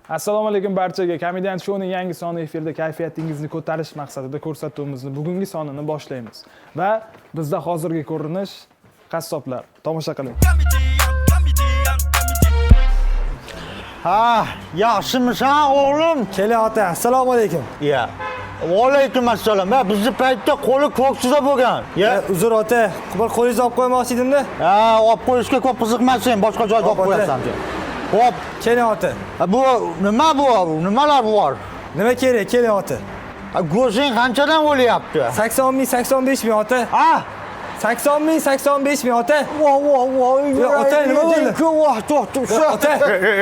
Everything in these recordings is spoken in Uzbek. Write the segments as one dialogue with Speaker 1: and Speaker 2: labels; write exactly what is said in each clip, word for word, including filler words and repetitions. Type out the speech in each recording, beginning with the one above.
Speaker 1: Assalomu alaykum barchaga. Komedian shouning yangi soni efirda kayfiyatingizni ko'tarish maqsadida ko'rsatuvimizni bugungi sonini boshlaymiz. Va bizda hozirgi ko'rinish qassoblar. Tomosha qiling.
Speaker 2: Ha, yaxshimisan o'g'lim?
Speaker 3: Keling ota, assalomu alaykum.
Speaker 2: Ya. Va alaykum assalom. Ha, bizni paytda qo'li ko'ksida bo'lgan. Ya,
Speaker 3: Uzr ota, bir qo'lingizni olib qo'ymoqchi edimda.
Speaker 2: ha, olib qo'yishga ko'p qiziqmasin, boshqa joyga olib qo'yasan. Hop,
Speaker 3: Keling ota.
Speaker 2: bu nima bu? Nimalar bor?
Speaker 3: Nima kerak? Keling ota.
Speaker 2: Go'shting qanchadan o'lyapti?
Speaker 3: sakson ming, sakson besh ming ota.
Speaker 2: Ha?
Speaker 3: sakson ming, sakson besh ming ota.
Speaker 2: Vo, vo, vo.
Speaker 3: ota, nima bo'ldi?
Speaker 2: Voh, to'xta.
Speaker 3: Ota.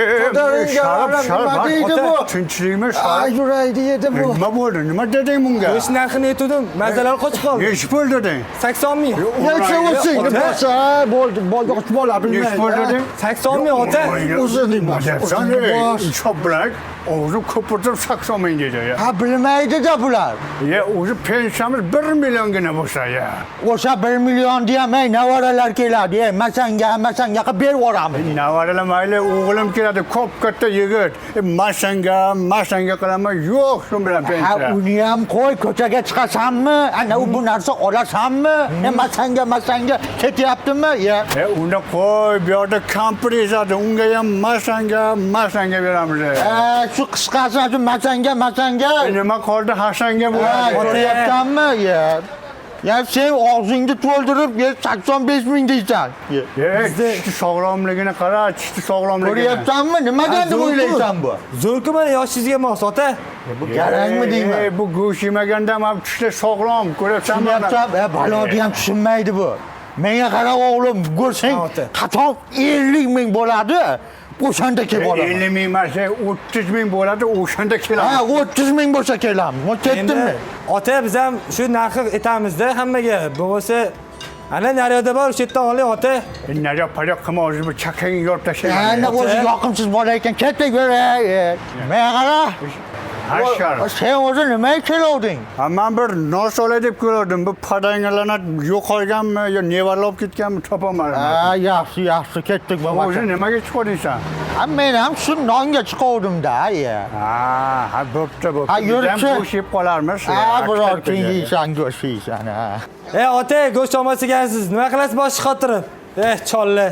Speaker 4: Sharap, sharap.
Speaker 2: Nima deydi bu?
Speaker 4: Tinchlikmi?
Speaker 2: Ay, yuraydi edi bu.
Speaker 4: Nima bo'ldi? Nima deding bunga?
Speaker 3: Go'sht narxini aytdim, mazalar qochib qoldi.
Speaker 4: Nechi pul deding?
Speaker 3: sakson ming.
Speaker 2: Necha o'sing? Bo'lsa, bo'ldi, bo'ldi, bola
Speaker 4: Nechi
Speaker 2: bilmaydi.
Speaker 4: pul deding?
Speaker 3: sakson ming ota.
Speaker 2: O'zing
Speaker 4: Nima debsan? Chop bilan o'zi ko'pirtirib sakson ming dedi ya.
Speaker 2: Ha, bilmaydi-da bular.
Speaker 4: Ya o'zi pensiyamiz bir milliongina bo'lsa ya.
Speaker 2: O'sha bir million deyam, ey, navaralar keladi, ey, masanga, masanga qilib berib yuboramiz.
Speaker 4: Navaralar mayli, o'g'lim keladi, ko'p katta yigit. E, Masanga, masanga qilaman, yo'q shu bilan
Speaker 2: Ha,
Speaker 4: pensiya.
Speaker 2: uni ham qo'y, ko'chaga chiqasanmi? Ana u bu narsa olasanmi? E, masanga, masanga ketyaptimi? Ya.
Speaker 4: E, unda qo'y, bu yerda kampir ezadi, unga ham masanga, masanga beramiz.
Speaker 2: E, shu qisqasi, shu masanga, masanga.
Speaker 4: E, nima qoldi, hasanga
Speaker 2: Ha,
Speaker 4: bo'ladi.
Speaker 2: ko'ryapsanmi? Ya. Ya sen og'zingni to'ldirib, sakson besh ming deysan. Ya.
Speaker 4: E, tishni sog'lomligini qara, tishni sog'lomligini.
Speaker 2: Ko'ryapsanmi? Nimadan deb o'ylaysan bu?
Speaker 3: Zo'rku mana yoshingizga mos ota.
Speaker 2: Bu kerakmi deyman?
Speaker 4: E, bu go'sht yemaganda ham tishlar sog'lom, ko'ryapsanmi?
Speaker 2: Tushunayapsan? E, baloni ham tushunmaydi bu. Menga qara o'g'lim, go'shting
Speaker 3: Ha, ota.
Speaker 2: qachon ellik ming bo'ladi? O'shanda kelib olaman.
Speaker 4: ellik ming emas, o'ttiz ming bo'ladi, o'shanda
Speaker 2: Ha,
Speaker 4: kelamiz.
Speaker 2: o'ttiz ming bo'lsa kelamiz. Men ketdimmi?
Speaker 3: Endi ota biz ham shu narxi aytamizda hammaga. Bo'lsa ana naryoqda bor, o'sha yerdan oling ota.
Speaker 4: Nariyo pariyo qilma, o'zi bu chakangni yorib
Speaker 2: Ana
Speaker 4: tashlayman.
Speaker 2: o'zi yoqimsiz bola ekan, ketaveray. Menga qara.
Speaker 4: Hashar.
Speaker 2: Sen o'zi nimaga kelding?
Speaker 4: Ha, men bir nos olay deb keldim. Bu padangalarni yo'qolganmi yo nevarlar olib ketganmi topolmadim.
Speaker 2: Ha, yaxshi, yaxshi, ketdik
Speaker 4: O'zi
Speaker 2: bo'lmasa.
Speaker 4: nimaga chiqdingsan?
Speaker 2: Ha, men ham shu nonga chiqavdim-da, ya.
Speaker 4: Ha, ha, bo'pti, bo'pti.
Speaker 2: Ha,
Speaker 4: Biz ham
Speaker 2: yurchi.
Speaker 4: go'sht yeb qolarmiz.
Speaker 2: Ha, biror kun yeysan, go'sht yeysan, ha.
Speaker 3: Ey ota, go'sht olmas ekansiz. Nima qilasiz boshqa xotirib? Eh, chollar.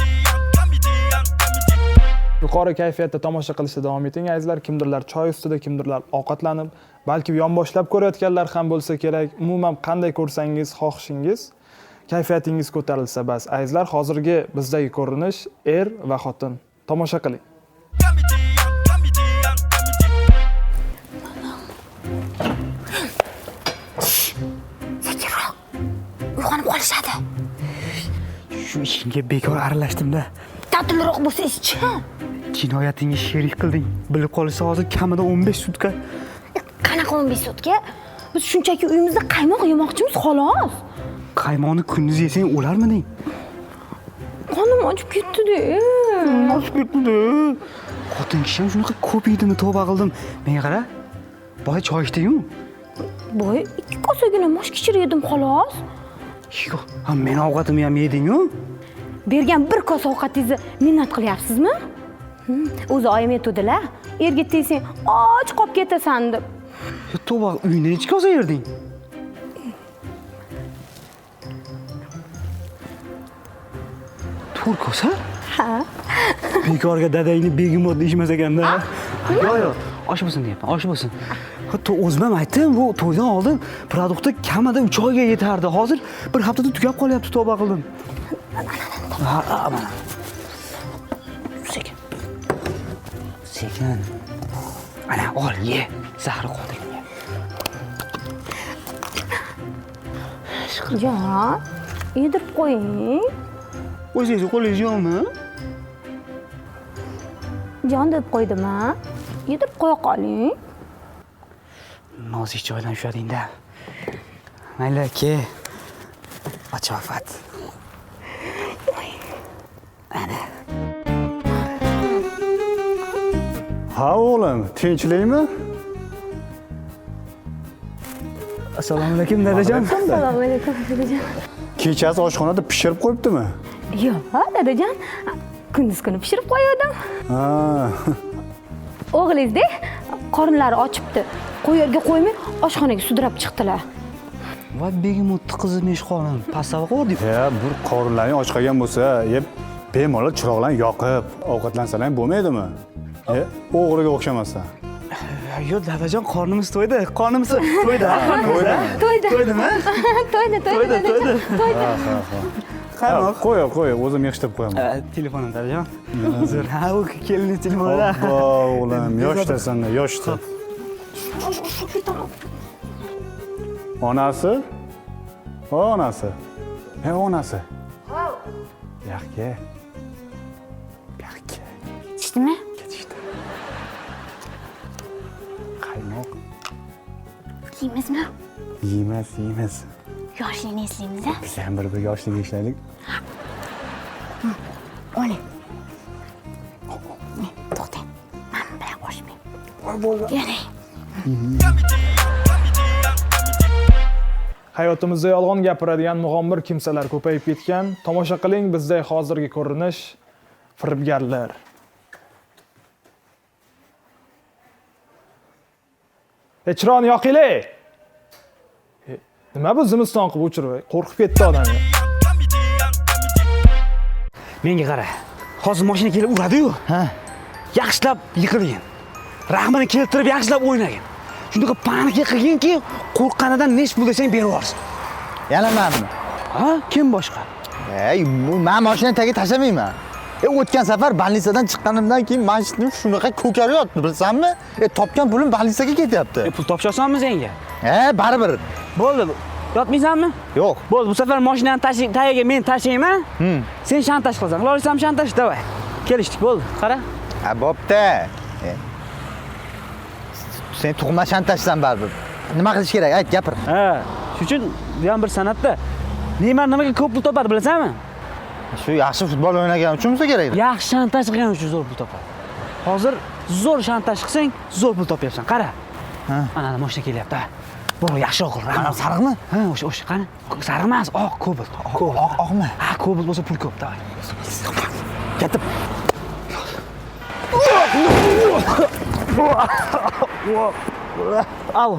Speaker 1: Yuqori kayfiyatda tomosha qilishda davom eting azizlar. Kimdirlar choy ustida, kimdirlar ovqatlanib, balki yonboshlab ko'rayotganlar ham bo'lsa kerak. Umuman qanday ko'rsangiz, xohishingiz, kayfiyatingiz ko'tarilsa bas. Azizlar, hozirgi bizdagi ko'rinish er va xotin. Tomosha qiling.
Speaker 5: Sekinroq. Uyg'onib qolishadi.
Speaker 6: Shu ishingga bekor aralashdim-da.
Speaker 5: Tatilroq bo'lsa ichchi.
Speaker 6: Jinoyatingga sherik qilding. Bilib qolsa hozir kamida o'n besh sutka.
Speaker 5: Qanaqa o'n besh sutka? Biz shunchaki uyimizda qaymoq yemoqchimiz, xolos.
Speaker 6: Qaymoqni kunduz yesang o'larmiding?
Speaker 5: Qonim ochib ketdi-da.
Speaker 6: Ochib ketdi. Xotin kishi ham shunaqa ko'p yeydimi, tavba qildim. Menga qara. Boy choy ichding-ku.
Speaker 5: Boy ikki kosagina mosh kichir yedim, xolos.
Speaker 6: Yo'q, ha men ovqatimni ham yeding-ku.
Speaker 5: Bergan bir kosa ovqatingizni minnat qilyapsizmi? Hmm, O'zi oyim aytdilar, erga tegsang och qolib ketasan deb.
Speaker 6: Tavba, uyda necha kosa yerding? to'rt kosa?
Speaker 5: Ha.
Speaker 6: Bekorga dadangni begimot deyishmas ekanda. Yo'q, yo'q, osh bo'lsin deyapman, osh bo'lsin. Hatto o'zim ham aytdim, bu to'ydan oldin produktda kamida uch oyga yetardi. Hozir bir haftada tugab qolyapti, tavba qildim. Ha, mana. Sekin. Sekin. Ana, ol, ye. Zahri qoldi.
Speaker 5: Jon, yedirib qo'ying.
Speaker 6: O'zingiz qo'lingiz yo'qmi?
Speaker 5: Jon deb qo'ydim-a? Yedirib qo'ya qoling.
Speaker 6: Nozik joydan ushlading-da. Mayli, ke. Bachofat. Ana.
Speaker 4: Ha, o'g'lim, tinchlikmi?
Speaker 6: Assalomu alaykum dadajon.
Speaker 5: Assalomu alaykum dadajon.
Speaker 4: Kechasi oshxonada pishirib qo'yibdimi?
Speaker 5: Yo'q, dadajon. Kunduz kuni pishirib qo'ydim.
Speaker 4: Ha.
Speaker 5: O'g'lingiz-da qornlari ochibdi. Qo'yarga qo'ymay oshxonaga sudrab chiqdilar.
Speaker 6: Voy begemotni qizi meshxonim, pastava qo'rdik.
Speaker 4: Ya, bir qorinlaring och qolgan bo'lsa, yeb bemalol chiroqlarni yoqib, ovqatlansalar bo'lmaydimi? E, o'g'riga o'xshamasdan.
Speaker 6: Yo, dadajon, qornimiz to'ydi. Qornimiz to'ydi.
Speaker 4: To'ydimi?
Speaker 5: To'ydi.
Speaker 6: To'ydimi?
Speaker 5: To'ydi, to'ydi. To'ydi. To'ydi.
Speaker 4: Qanoq? Qo'y, qo'y, o'zim yig'ishtirib qo'yaman.
Speaker 6: Telefonim dadajon. Zo'r. Ha, u kelinning telefonida.
Speaker 4: Obbo, o'g'lim, yoshdasan, yoshda. Onasi? O, onasi. He, onasi. Yaxga. Yaxga.
Speaker 5: Ketdimi?
Speaker 4: Ketishdi. Qaymoq.
Speaker 5: Yeymizmi?
Speaker 4: Yeymas, yeymas.
Speaker 5: Yoshligini eslaymiz-a?
Speaker 4: Biz ham bir-bir yoshlik ishlaylik.
Speaker 5: Oling. To'xtang. Men bilan qo'shmang. Yana.
Speaker 1: Hayotimizda yolg'on gapiradigan mug'ombir kimsalar ko'payib ketgan. Tomosha qiling bizdek hozirgi ko'rinish firibgarlar. E, chiroqni yoqinglar. E, nima bu zimiston qilib o'chirib? Qo'rqib ketdi odam.
Speaker 6: Menga qara. Hozir mashina kelib uradi-yu. Ha. Yaxshilab yiqilgin. Rahmini keltirib yaxshilab o'ynagin. Shunday panika qilginki, qo'rqqanidan nesh pul desang berib yuborsin.
Speaker 2: Yana menmi?
Speaker 6: Ha, kim boshqa?
Speaker 2: Ey, bu men mashinani tagiga tashlamayman. E, o'tgan safar больницаdan chiqqanimdan keyin mashinam shunaqa ko'karib yotdi, bilsanmi? E, topgan pulim больницаga ketyapti.
Speaker 6: E, pul topshasanmi senga?
Speaker 2: E, baribir.
Speaker 6: Bo'ldi. Yotmaysanmi?
Speaker 2: Yo'q.
Speaker 6: Bo'ldi, bu safar mashinani tashing, tagiga men tashlayman. Sen shantaj qilasan. Qilaversam shantaj, davay. Kelishdik, bo'ldi. Qara.
Speaker 2: Ha, bo'pti. E, sen tug'ma shantajsan baribir. Nima qilish kerak? Ayt, gapir.
Speaker 6: Ha, shuning uchun bu ham bir san'atda. Neymar nimaga ko'p pul topadi, bilasanmi?
Speaker 2: Shu yaxshi futbol o'ynagan uchun bo'lsa kerak.
Speaker 6: Yaxshi shantaj qilgan uchun zo'r pul topadi. Hozir zo'r shantaj qilsang, zo'r pul topyapsan. Qara.
Speaker 2: Ha.
Speaker 6: Mana mashina kelyapti. Bu yaxshi o'g'il.
Speaker 2: Mana sariqmi?
Speaker 6: Ha, o'sha, o'sha qani? Sariq emas, oq, kobalt.
Speaker 2: Oq, oqmi?
Speaker 6: Ha, kobalt bo'lsa pul ko'p, davay.
Speaker 2: Ketib.
Speaker 6: Al.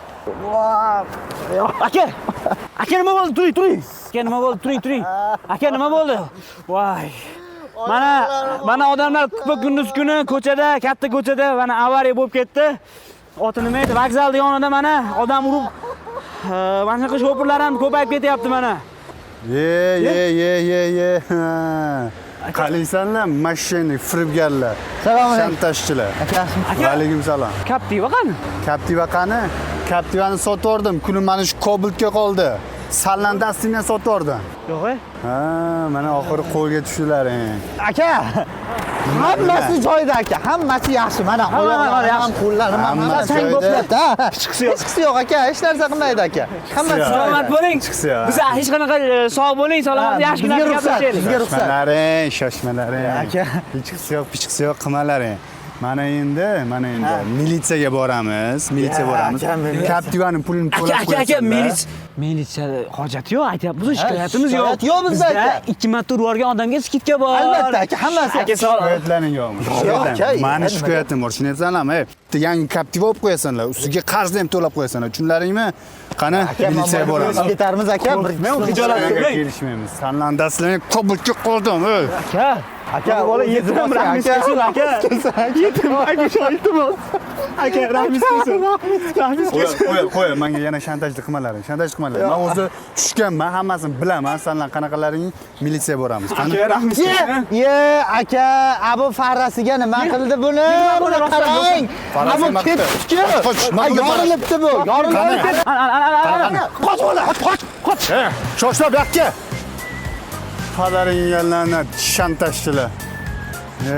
Speaker 6: Aka! Aka nima bo'ldi? Turing, turing. Aka nima bo'ldi? Turing, turing. Aka nima bo'ldi? Voy. Mana mana odamlar kupa kunduz kuni ko'chada, katta ko'chada mana avariya bo'lib ketdi. Oti nima edi? Vokzalda yonida mana odam urib mana shunaqa shopirlar ham ko'payib ketyapti mana.
Speaker 4: Ye, ye, ye, ye, ye. Qalaysanlar, mashina firibgarlar.
Speaker 2: Salom alaykum.
Speaker 4: Shantajchilar.
Speaker 2: Akasimi?
Speaker 4: Va alaykum salom.
Speaker 6: Captiva qani?
Speaker 4: Captiva qani? Captivani sotib yubordim. Kunim mana shu Kobaltga qoldi. Sallan dastingni sotib yubordim.
Speaker 6: Yo'q, e?
Speaker 4: Ha, mana oxiri qo'lga tushdilar.
Speaker 2: Aka, hammasi joyida aka, hammasi yaxshi. Mana oyoqlar ham, qo'llarim ham
Speaker 4: Hammasi
Speaker 2: sang
Speaker 4: joyida.
Speaker 2: bo'lyapti. Chiqisi yo'q. Chiqisi yo'q aka, hech narsa qilmaydi aka. Hammasi
Speaker 6: Salomat bo'ling.
Speaker 4: Chiqsa yo'q.
Speaker 6: Biz hech qanaqa sog' bo'ling, salomat yaxshi
Speaker 2: bizga
Speaker 6: kunlar
Speaker 2: ruxsat,
Speaker 6: gaplashaylik.
Speaker 2: bizga ruxsat.
Speaker 4: Shoshmalaring, shoshmalaring.
Speaker 2: Aka.
Speaker 4: Chiqsa yo'q, pichiqsa yo'q qilmalaring. Mana endi, mana endi militsiyaga boramiz, militsiyaga boramiz. Captivani pulini
Speaker 6: Aka,
Speaker 4: to'lab
Speaker 6: aka, aka,
Speaker 4: qo'yasizlar.
Speaker 6: militsiya militsiya hojati yo'q, aytyapmiz, shikoyatimiz yo'q.
Speaker 2: shikoyat yo'q bizda, aka.
Speaker 6: ikki marta urib yuborgan odamga skidka bor.
Speaker 2: Albatta aka, hammasi.
Speaker 6: Aka, sog'.
Speaker 4: Shikoyatlaring yo'qmi?
Speaker 2: aka,
Speaker 4: Mani
Speaker 2: nima
Speaker 4: shikoyatim bor, tushunyapsanlarmi? Bitta yangi Captiva olib qo'yasanlar, ustiga qarzni ham to'lab qo'yasanlar. Tushunlaringmi? Qani, militsiyaga boramiz.
Speaker 2: Ketarmiz aka.
Speaker 6: Men xijolat qilmang.
Speaker 4: Kelishmaymiz. Sanlandasizlarni Kobaltga qoldim.
Speaker 6: Aka,
Speaker 2: Aka,
Speaker 6: bola yetim
Speaker 2: aka.
Speaker 6: rahmis kelsin, aka. Yetim, aka, shoyitim. Aka, rahmis kelsin. Rahmis
Speaker 4: Qo'y,
Speaker 6: kelsin.
Speaker 4: qo'y, qo'y, menga yana shantajlik qilmalaring, shantaj qilmalaring. Men o'zi tushganman, hammasini bilaman. Sanlar qanaqalaring militsiyaga boramiz. Qani?
Speaker 6: Aka, rahmis kelsin.
Speaker 2: Ye, aka, abu farrasiga nima qildi buni? Buni qarang.
Speaker 4: Farrasi
Speaker 2: Abu
Speaker 4: nima qildi?
Speaker 2: ketdi.
Speaker 4: Qoch, qoch, nima qildi?
Speaker 2: Yorilibdi bu. Yorilibdi.
Speaker 6: Ana, ana, ana, ana.
Speaker 4: Qoch bola, qoch, qoch. Shoshla bu yoqqa. Padaring yallarni shantajchilar. E.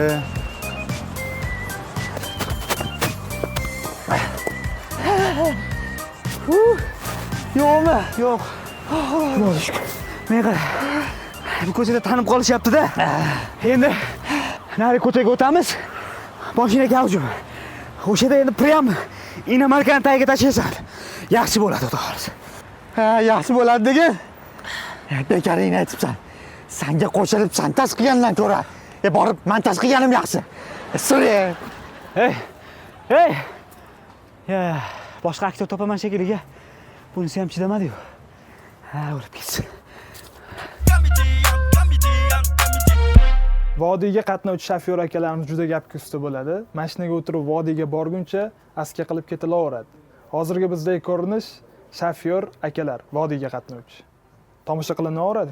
Speaker 6: Yo'qmi? Yo'q. Xudoga shukr. Men qara. Bu ko'chada tanib qolishyapti-da. Endi nari ko'chaga o'tamiz. Mashina gavjum. O'shada endi prям inomarkani tagiga tashlasan. Yaxshi bo'ladi, xudo xohlasa.
Speaker 2: Ha, yaxshi bo'ladi degan. Bekaringni aytibsan. Senga qo'shilib shantaj qilgandan ko'ra, e borib montaj qilganim yaxshi. Suri.
Speaker 6: Ey, Hey! Ya, boshqa aktyor topaman shekilli. Bunisi ham chidamadi-yu. Ha, o'lib ketsin.
Speaker 1: Vodiyga qatnovchi shofyor akalarimiz juda gapga usta bo'ladi. Mashinaga o'tirib vodiyga borguncha aska qilib ketilaveradi. Hozirgi bizdagi ko'rinish shofyor akalar vodiyga qatnovchi. Tomosha qilinaveradi.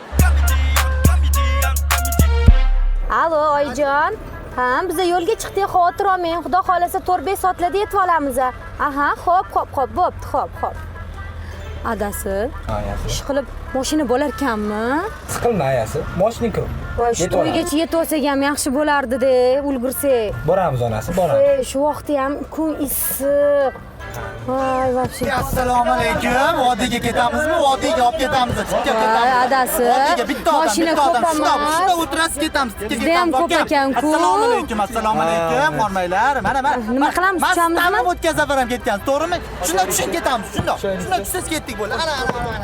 Speaker 5: Alo, oyijon. Ha, biz yo'lga chiqdik, xavotir olmang. Xudo xolasa to'rt besh soatlarda yetib olamiz. Aha, xo'p, xo'p, xo'p, bo'pti, xo'p, xo'p. Adasi.
Speaker 3: Ha, yaxshi.
Speaker 5: Ish qilib mashina bo'lar ekanmi?
Speaker 3: Siqilma ayasi. Moshning kirib.
Speaker 5: Voy, shu to'ygacha yetib olsak ham yaxshi bo'lardi-da, ulgursak.
Speaker 3: Boramiz onasi, boramiz.
Speaker 5: Ey, shu vaqtda ham kun issiq. Voy, вообще.
Speaker 2: Assalomu alaykum. Vodiyga ketamizmi? Vodiyga olib ketamiz. Chiqib
Speaker 5: Voy,
Speaker 2: ketamiz.
Speaker 5: adasi.
Speaker 2: Vodiyga bitta odam,
Speaker 5: Mashina
Speaker 2: bitta odam.
Speaker 5: ko'p
Speaker 2: Shunda,
Speaker 5: emas.
Speaker 2: shunda o'tirasiz ketamiz.
Speaker 5: Bizda ham ko'p ekan-ku.
Speaker 2: Assalomu alaykum, assalomu alaykum. Qormanglar. Mana, mana.
Speaker 5: Nima qilamiz, tushamiz?
Speaker 2: Tamom o'tgan safar ham ketgansiz, to'g'rimi? Shunda tushib ketamiz. Shunda. Shunda tushsiz ketdik bo'ldi. Ana, ana, ana.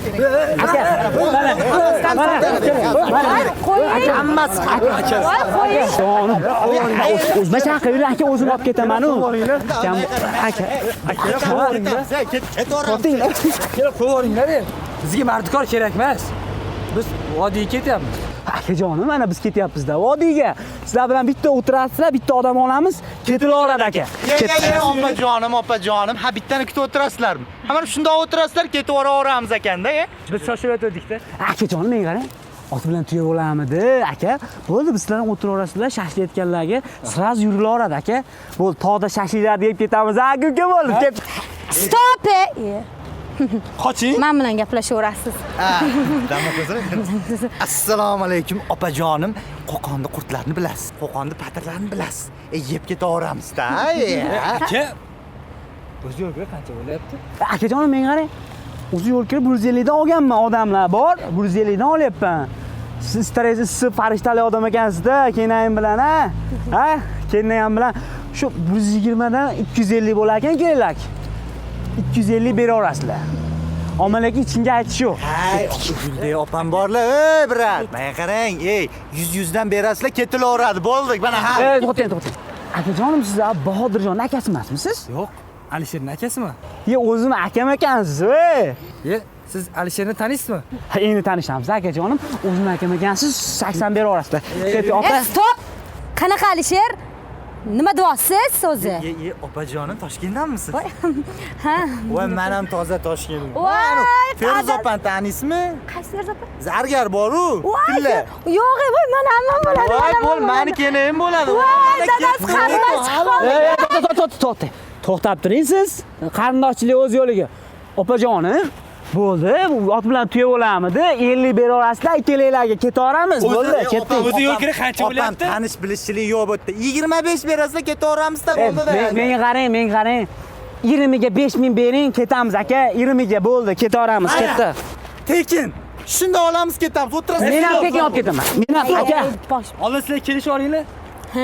Speaker 5: Qo'ying.
Speaker 2: Hammasi aka.
Speaker 5: Voy, qo'ying.
Speaker 6: Jonim, o'zma chaqirib aka o'zim olib ketaman-u. Aka, aka,
Speaker 2: Ketaveringlar.
Speaker 3: Kelib qo'yinglar. Bizga mardikor kerak emas. Biz vodiyga ketyapmiz.
Speaker 6: akajonim, mana biz ketyapmiz-da vodiyga. Sizlar bilan bitta o'tirasizlar, bitta odam olamiz, ketilaveradi aka.
Speaker 2: Opajonim, opajonim. Ha, bittani kutib o'tirasizlarmi? Ha, mana shundoq o'tirasizlar, ketaveramiz ekanda, e?
Speaker 6: Biz shoshib o'tdik-da. Akajonim, menga qarang. Ot bilan tuya bo'lamidi, aka. Bo'ldi, biz sizlar o'tiraverasizlar, shashlayotganlarga siraz yurilaveradi, aka. Bo'ldi, tog'da shashlaylar deb ketamiz. Ha, kuka bo'ldi, ket.
Speaker 5: Stop!
Speaker 2: Qoching.
Speaker 5: Men bilan gaplashaverasiz.
Speaker 2: Ha, dama ko'zini. Assalomu alaykum, opajonim. Qo'qonda qurtlarni bilasiz. Qo'qonda patirlarni bilasiz. E, yeb ketaveramiz-da.
Speaker 3: Aka. O'zi yo'lga qancha bo'lyapti?
Speaker 6: Akajonim, menga qarang. O'zi yo'l kirib bir yuz ellik dan olganman, odamlar bor. bir yuz ellik dan olyapman. Siz stress issiq farishtali odam ekansizda, kenayim bilan, ha? Ha? Kenayim bilan shu bir yuz yigirma dan ikki yuz ellik bo'lar ekan, kelinglar. ikki yuz ellik beraverasizlar. Omalaki ichingga aytish yo'q.
Speaker 2: Hay, Guldek opam borlar, ey brat. Menga qarang, ey, yuz yuz dan berasizlar, ketilaveradi. Bo'ldik, mana ha.
Speaker 6: Ey, to'xtang, to'xtang. Akajonim, siz Bahodirjon akasi emasmisiz?
Speaker 3: Yo'q. Alisherning akasimi?
Speaker 6: Ye, o'zim akam ekansiz, ey.
Speaker 3: Ye, siz Alisherni taniysizmi?
Speaker 6: Ha, endi tanishamiz, akajonim. O'zim akam ekansiz, sakson beraverasizlar. Ket, opa.
Speaker 5: E, stop! Qanaqa Alisher? Nima deyapsiz o'zi?
Speaker 2: Ye, ye, opajonim Toshkentdanmisiz?
Speaker 5: Ha.
Speaker 2: Voy, men ham toza Toshkentdan.
Speaker 5: Voy,
Speaker 2: Feruz
Speaker 5: qadar-
Speaker 2: opani taniysizmi?
Speaker 5: Qaysi Feruz opa?
Speaker 2: Zargar bor-u,
Speaker 5: Voy,
Speaker 2: tilla.
Speaker 5: yo'q, voy, mana hammam bo'ladi.
Speaker 2: Voy,
Speaker 5: mana
Speaker 2: bo'l,
Speaker 5: hammam
Speaker 2: meniki ham bo'ladi.
Speaker 5: Voy, dadasi qarindosh chiqqan.
Speaker 6: Ey, ey, to'xta, to'xta, to'xta. To'xtab turing siz. Qarindoshchilik o'z yo'liga. Opajonim, bo'ldi. Bu ot bilan tuya bo'lamidi? ellik beraverasizlar, ikkalanglarga ketaveramiz. Bo'ldi, ketdik.
Speaker 3: O'zi yo'l kira qancha
Speaker 2: Opam
Speaker 3: bo'lyapti?
Speaker 2: tanish bilishchilik yo'q bu yerda. yigirma besh berasizlar, ketaveramiz-da,
Speaker 6: Eh,
Speaker 2: bo'ldi-da.
Speaker 6: men- Menga qarang, menga qarang. yigirmaga besh ming bering, ketamiz aka. yigirmaga bo'ldi, ketaveramiz, ketdi.
Speaker 2: Tekin. Shunda olamiz, ketamiz. O'tirasiz.
Speaker 6: Men ham tekin olib ketaman. Men ham aka.
Speaker 5: Bosh.
Speaker 3: Oldin sizlar kelishib olinglar.
Speaker 5: Ha.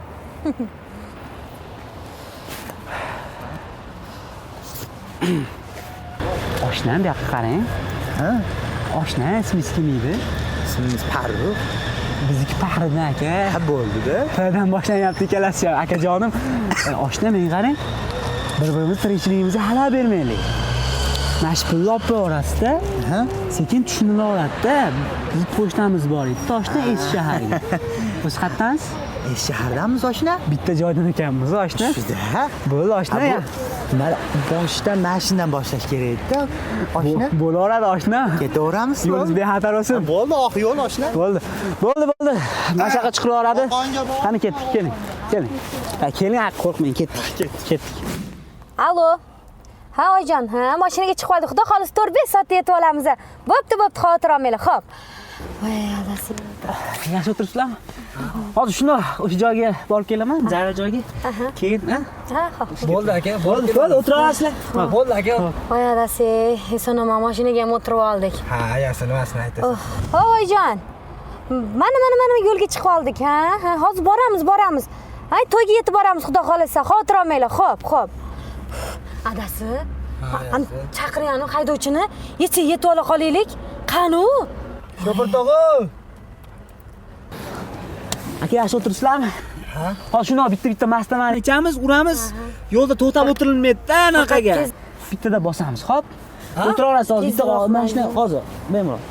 Speaker 6: Oshnam bu yoqqa qarang.
Speaker 2: Ha?
Speaker 6: Oshna, ismingiz kim edi?
Speaker 2: Ismingiz Farruh.
Speaker 6: Bizniki Fahriddin aka.
Speaker 2: Ha, bo'ldi-da.
Speaker 6: Fdan boshlanyapti ikkalasi ham, akajonim. E, Oshna, menga qarang. Bir-birimiz tirikchiligimizga xalal bermaylik. Mashpulni olib qo'yaverasiz-da.
Speaker 2: Ha?
Speaker 6: Sekin tushunilaveradi-da. Biz pochtamiz bor edi, Toshkentda Eski shaharga. O'z qayerdansiz?
Speaker 2: E, shahardamiz oshna?
Speaker 6: Bitta joydan ekanmiz, oshna.
Speaker 2: Shunda.
Speaker 6: Bo'ldi, oshna.
Speaker 2: Ha, bu- mana boshdan mashindan boshlash kerak edi-da. Oshna.
Speaker 6: Bo'laveradi, oshna.
Speaker 2: Ketaveramiz.
Speaker 6: Yo'lingiz bexatar bo'lsin.
Speaker 2: Bo'ldi, oq yo'l oshna.
Speaker 6: Bo'ldi. Bo'ldi, bo'ldi. Mashaqa chiqilaveradi.
Speaker 2: Qo'qonga bor.
Speaker 6: Qani ketdik, keling. Keling. Ha, keling, qo'rqmang, ketdik. Ketdik, ketdik.
Speaker 5: Alo. Ha, oyijon, ha, mashinaga chiqib oldik. Xudo xolisa to'rt besh soatda yetib olamiz. Bo'pti, bo'pti, xavotir olmanglar. Xo'p. Voy, adasi.
Speaker 6: Yaxshi o'tiribsizlarmi? Hozir shunda o'sha joyga borib kelaman, zarra joyga. Keyin, ha?
Speaker 5: Ha, xo'p.
Speaker 3: Bo'ldi aka,
Speaker 6: Bo'ldi, bo'ldi, o'tiraverasizlar.
Speaker 3: Bo'ldi aka.
Speaker 5: Voy, adasi, eson-omon mashinaga ham o'tirib oldik.
Speaker 3: Ha, yaxshi, nimasini aytasiz?
Speaker 5: Oh, oyijon. Mana, mana, mana yo'lga chiqib oldik, ha? Ha, hozir boramiz, boramiz. Hay, to'yga yetib boramiz, xudo xolisa. Xavotir olmanglar. Xo'p, xo'p. Adasi, an chaqirayanu haydovchini, yetsa yetib ola qolaylik. Qani u?
Speaker 2: Shofir tog'a.
Speaker 6: Aka, yaxshi o'tiribsizlarmi? Hozir shuni bitta-bitta mastamani ichamiz, uramiz. Yo'lda to'xtab o'tirilmaydi-da anaqaga. Bittada bosamiz, xo'p? O'tiraverasiz hozir, bitta mana shuni hozir, bemalol.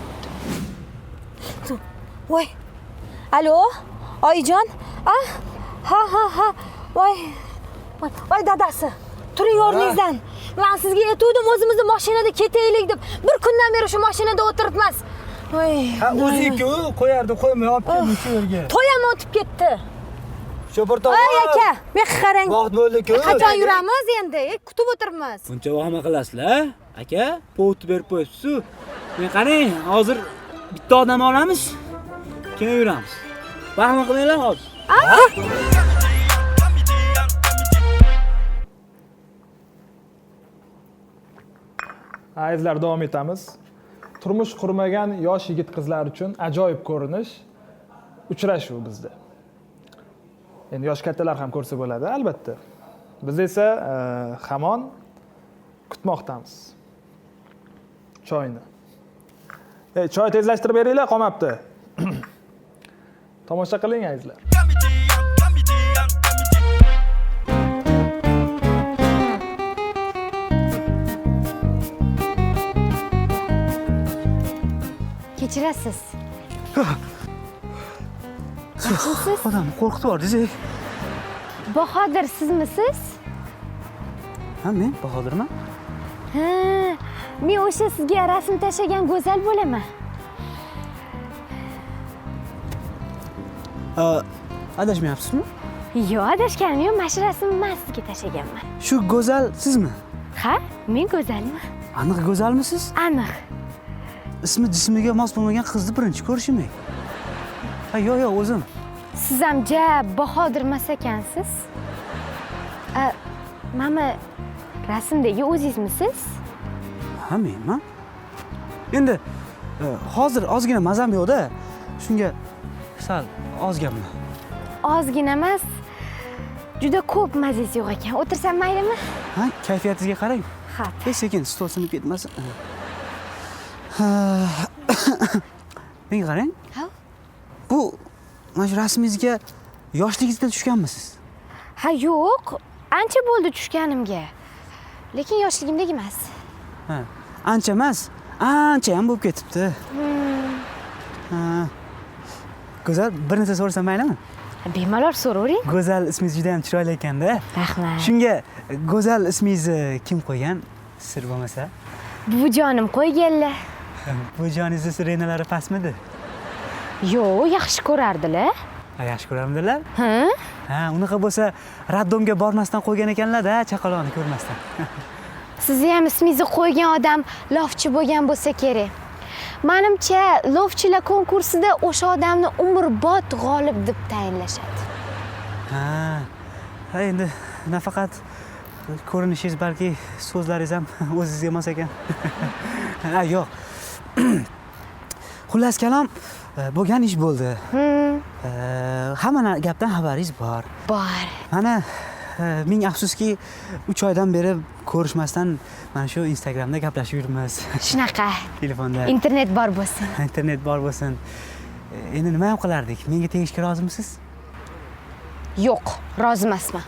Speaker 5: Voy. Alo, oyijon? Ah, ha ha ha. Voy. Voy, voy dadasi. Turing o'rningizdan. Men sizga aytuvdim o'zimizni mashinada ketaylik deb. Bir kundan beri shu mashinada o'tiribmiz. Voy.
Speaker 3: Ha, o'zi-ku qo'yardi, qo'ymay olib keldi shu yerga.
Speaker 5: To'yam o'tib ketdi.
Speaker 3: Shopir tog'a.
Speaker 5: Ay aka, men qarang.
Speaker 3: Vaqt bo'ldi-ku.
Speaker 5: Qachon yuramiz endi? Kutib o'tiribmiz.
Speaker 6: Buncha vahima qilasizlar, aka? Povut berib qo'yibsiz-ku. Men qarang, hozir bitta odam olamiz. Keyin yuramiz. Vahima qilmanglar hozir.
Speaker 1: Azizlar, davom etamiz. Turmush qurmagan yosh yigit qizlar uchun ajoyib ko'rinish uchrashuv bizda. Endi yosh kattalar ham ko'rsa bo'ladi, albatta. Biz esa e, hamon kutmoqdamiz. Choyni. Ey, choy tezlashtirib beringlar, qolmabdi. Tomosha qiling, azizlar.
Speaker 5: Kechirasiz. Yaxshimisiz?
Speaker 6: Odam qo'rqitib yubordingiz.
Speaker 5: Bahodir sizmisiz?
Speaker 6: Ha, men Bahodirman.
Speaker 5: Ha, men o'sha sizga rasm tashlagan go'zal bo'laman.
Speaker 6: Adashmayapsizmi?
Speaker 5: Yo'q, adashganim yo'q, mana shu rasmni men sizga tashlaganman.
Speaker 6: Shu go'zal sizmi?
Speaker 5: Ha, men go'zalman.
Speaker 6: Aniq go'zalmisiz?
Speaker 5: Aniq.
Speaker 6: Ismi jismiga mos bo'lmagan qizni birinchi ko'rishim. Ha, yo'q, yo'q, o'zim.
Speaker 5: Siz ham ja Bahodir emas ekansiz. A, mana rasmdagi o'zingizmisiz?
Speaker 6: Ha, menman. Endi e, hozir ozgina mazam yo'q-da. Shunga sal ozganman.
Speaker 5: Ozgina emas, juda ko'p mazangiz yo'q ekan. O'tirsam maylimi?
Speaker 6: Ha, kayfiyatingizga qarang.
Speaker 5: Ha.
Speaker 6: Sekin stol sinib ketmasin. Menga qarang.
Speaker 5: Ha?
Speaker 6: Bu mana shu rasmingizga yoshligingizda tushganmisiz?
Speaker 5: Ha, yo'q. Ancha bo'ldi tushganimga. Lekin yoshligimdagi emas.
Speaker 6: Ha, ancha emas, ancha ham bo'lib ketibdi. Ha. Go'zal, bir narsa so'rasam maylimi?
Speaker 5: Bemalol so'ravering.
Speaker 6: Go'zal ismingiz juda ham chiroyli ekanda.
Speaker 5: Rahmat.
Speaker 6: Shunga go'zal ismingizni kim qo'ygan? Sir bo'lmasa?
Speaker 5: Buvijonim qo'yganlar.
Speaker 6: Bu joningizni sirenalari pastmidi?
Speaker 5: Yo'q, yaxshi ko'rardilar.
Speaker 6: Ha, yaxshi ko'ramdilar?
Speaker 5: Ha?
Speaker 6: Ha, unaqa bo'lsa raddomga bormasdan qo'ygan ekanlar-da, chaqaloqni ko'rmasdan.
Speaker 5: Sizni ham ismingizni qo'ygan odam lofchi bo'lgan bo'lsa kerak. Menimcha, lofchilar konkursida o'sha odamni umrbod g'olib deb tayinlashadi.
Speaker 6: Ha. Ha, endi nafaqat ko'rinishingiz, balki so'zlaringiz ham o'zingizga mos ekan. Ha, yo'q. Xullas kalom, bo'lgan ish bo'ldi. Hamma gapdan xabaringiz bor.
Speaker 5: Bor.
Speaker 6: Mana ming afsuski uch oydan beri ko'rishmasdan mana shu Instagramda gaplashib yuribmiz.
Speaker 5: Shunaqa.
Speaker 6: Telefonda.
Speaker 5: Internet bor bo'lsin.
Speaker 6: Internet bor bo'lsin. Endi nima ham qilardik? Menga tegishga rozimisiz?
Speaker 5: Yo'q, rozi emasman.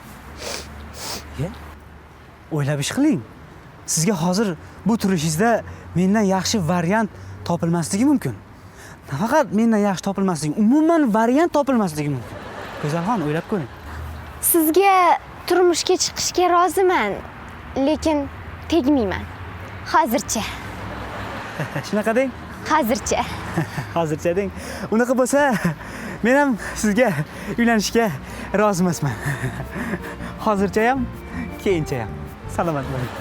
Speaker 6: O'ylab ish qiling. Sizga hozir bu turishingizda mendan yaxshi variant topilmasligi mumkin. Nafaqat mendan yaxshi topilmasligi, umuman variant topilmasligi mumkin. Go'zalxon, o'ylab ko'ring.
Speaker 5: Sizga turmushga chiqishga roziman, lekin tegmayman. Hozircha.
Speaker 6: Shunaqa deng?
Speaker 5: Hozircha.
Speaker 6: Hozircha deng. Unaqa bo'lsa, men ham sizga uylanishga rozi emasman. Hozircha ham, keyincha ham. Salomat bo'ling.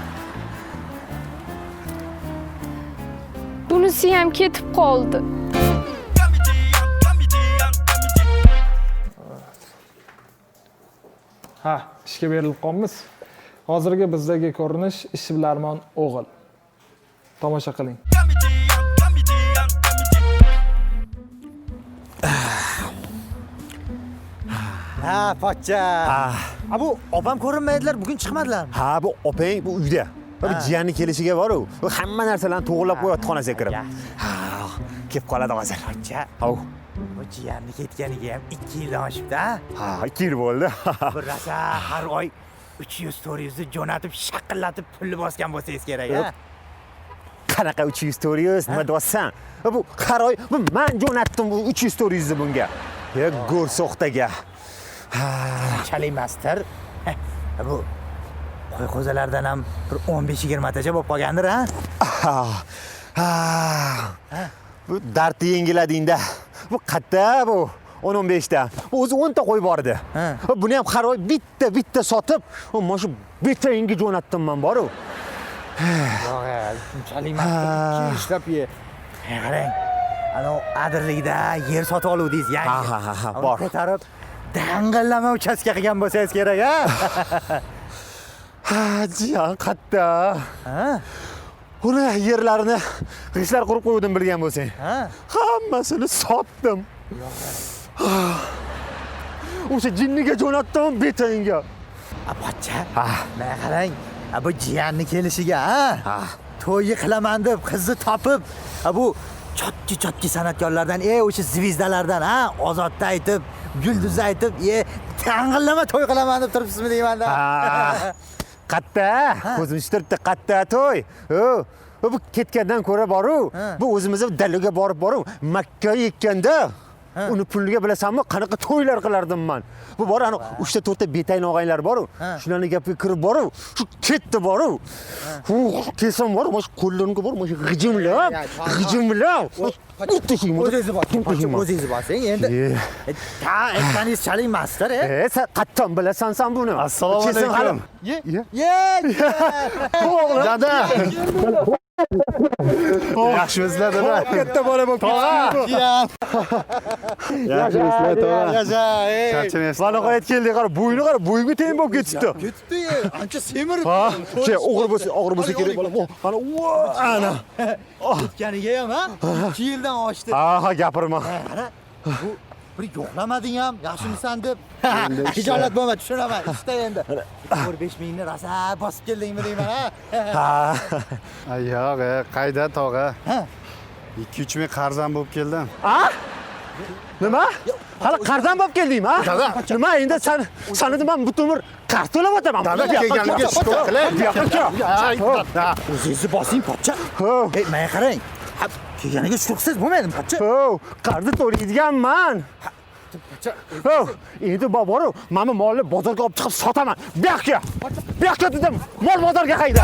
Speaker 5: Bunisi ham ketib qoldi.
Speaker 1: Ha, ishga berilib qolamiz. Hozirgi bizdagi ko'rinish ishbilarmon o'g'il. Tomosha qiling.
Speaker 2: Ha, pochcha. Ha, bu opam ko'rinmaydilar, bugun chiqmadilarmi?
Speaker 7: Ha, bu opang bu uyda. Bu jiyanning kelishiga bor-ku. Bu hamma narsalarni to'g'rilab qo'yapti xonasiga kirib. Ha, kelib qoladi hozir.
Speaker 2: Pochcha.
Speaker 7: Hov,
Speaker 8: Bu jiyanni ketganiga ham ikki yildan oshibdi, ha?
Speaker 7: Ha, ikki yil bo'ldi.
Speaker 8: Bir rosa har oy uch yuz to'rt yuz jo'natib, shaqillatib pulni bosgan bo'lsangiz kerak, ha?
Speaker 7: Qanaqa uch yuz to'rt yuz nima deyapsan? Bu har oy bu men jo'natdim bu uch yuz to'rt yuz ni bunga. Ya go'rsoqtaga.
Speaker 8: Chal emasdir. Bu qo'y qo'zalardan ham bir o'n besh yigirma tacha bo'lib qolgandir, ha?
Speaker 7: Ha. Bu dardni yengiladingda. Bu qatta bu o'n o'n besh ta. Bu o'zi o'n ta qo'y bor edi. Buni ham har oy bitta bitta sotib, mana shu betayinga jo'natdim men boru.
Speaker 8: Yo'q, unchalik emas. Ishlab ye. Qarang. Ana adirlikda yer sotib oluvdingiz, yangi.
Speaker 7: Ha ha ha, bor.
Speaker 8: Ko'tarib dang'illama uchastka qilgan bo'lsangiz kerak, ha?
Speaker 7: Ha, jiyan qatta. Ha? Uni yerlarini g'ishlar qurib qo'ydim bilgan bo'lsang.
Speaker 8: Ha?
Speaker 7: Hammasini sotdim. O'sha jinniga jo'natdim betayinga.
Speaker 8: Apocha. Mana qarang. Bu jiyanni kelishiga, ha? To'yi qilaman deb qizni topib, bu chotki chotki san'atkorlardan, ey o'sha zvizdalardan, ha, Ozodda aytib, Yulduzda aytib, "Ey, tang'illama to'y qilaman deb turibsizmi" deyman-da.
Speaker 7: Qatta, ko'zim ishtiribdi, qatta to'y. O, bu ketgandan ko'ra boru, bu o'zimiz dalaga borib boru, Makka yekkanda uni puliga bilasanmi, qanaqa to'ylar qilardim men. Bu bor ana uch ta to'rt ta betayin og'aylar boru, shularning gapiga kirib boru, shu ketdi boru. U kesam bor, mana shu qo'llarimga bor, mana shu g'ijimlab, g'ijimlab.
Speaker 8: O'zingiz bosing, o'zingiz bosing. Endi ta aytganingiz chal emasdir, e?
Speaker 7: E, sen qattan bilasan sen buni.
Speaker 4: Assalomu alaykum.
Speaker 8: Ye. Ye.
Speaker 4: Dada. Yaxshimisizlar dada?
Speaker 7: Katta bola bo'lib ketdi.
Speaker 4: Yaxshimisizlar tog'a?
Speaker 7: Yasha, ey.
Speaker 4: Charchamayapsiz?
Speaker 7: Mana qo'yib keldi, qara, bo'yni qara, bo'yinga teng bo'lib ketibdi.
Speaker 8: Ketdi, ancha semirib.
Speaker 7: Ha, che, og'ir bo'lsa, og'ir bo'lsa kerak bola. Mana, ana.
Speaker 8: Ketganiga ham, ha? ikki yildan oshdi.
Speaker 7: Ha, ha, gapirma.
Speaker 8: Qara, bu bir yo'qlamading ham, yaxshimisan deb. Hijolat bo'lma, tushunaman. Ishda endi. to'rt besh mingni rosa bosib keldingmi deyman, ha?
Speaker 4: Ha. Yo'q, qayda tog'a? ikki uch ming qarzan bo'lib keldim.
Speaker 7: Ha? Nima? Hali qarzon bo'lib keldingmi, ha? Nima endi sen seni men butun umr qarz to'lab o'taman.
Speaker 4: Dada kelganiga shukr qilay.
Speaker 8: O'zingizni bosing, pochcha. Ey, menga qarang. Kelganiga shukrsiz bo'lmaydimi, pochcha?
Speaker 7: Ho, qarzni to'laydiganman. Ho, endi boboru, mana molni bozorga olib chiqib sotaman. Bu yoqqa. Bu yoqqa dedim. Mol bozorga qayda?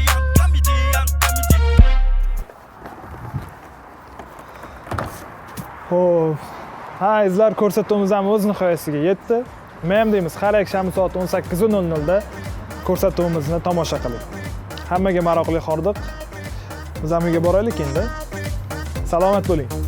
Speaker 1: Xo'p. Ha, izlar ko'rsatuvimiz ham o'z nihoyasiga yetdi. Men ham deymiz, har yakshanba soat o'n sakkiz nol nolda ko'rsatuvimizni tomosha qiling. Hammaga maroqli hordiq. Biz ham uyga boraylik endi. Salomat bo'ling.